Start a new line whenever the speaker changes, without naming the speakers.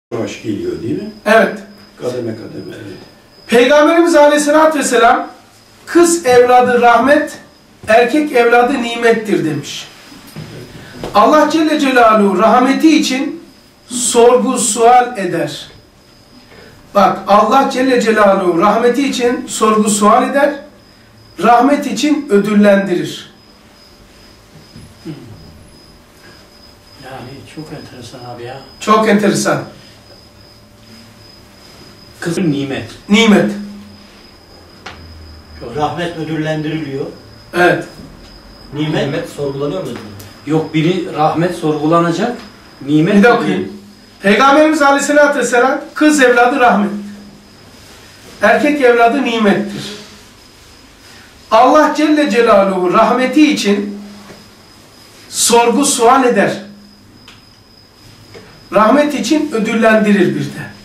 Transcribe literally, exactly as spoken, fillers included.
yavaş geliyor değil mi?
Evet.
Kademe kademe, evet.
Peygamberimiz Aleyhisselatü Vesselam kız evladı rahmet, erkek evladı nimettir demiş. Allah Celle Celaluhu rahmeti için sorgu sual eder. Bak, Allah Celle Celaluhu rahmeti için sorgu sual eder, rahmet için ödüllendirir.
Yani çok enteresan abi ya.
Çok enteresan.
Kızın nimet.
Nimet.
Rahmet ödüllendiriliyor.
Evet.
Nimet,
Nimet sorgulanıyor mu?
Yok, biri rahmet sorgulanacak, nimet
Bir de
değil.
okuyayım. Peygamberimiz Aleyhisselatü Vesselam kız evladı rahmet, erkek evladı nimettir. Allah Celle Celaluhu rahmeti için sorgu sual eder. Rahmet için ödüllendirir bir de.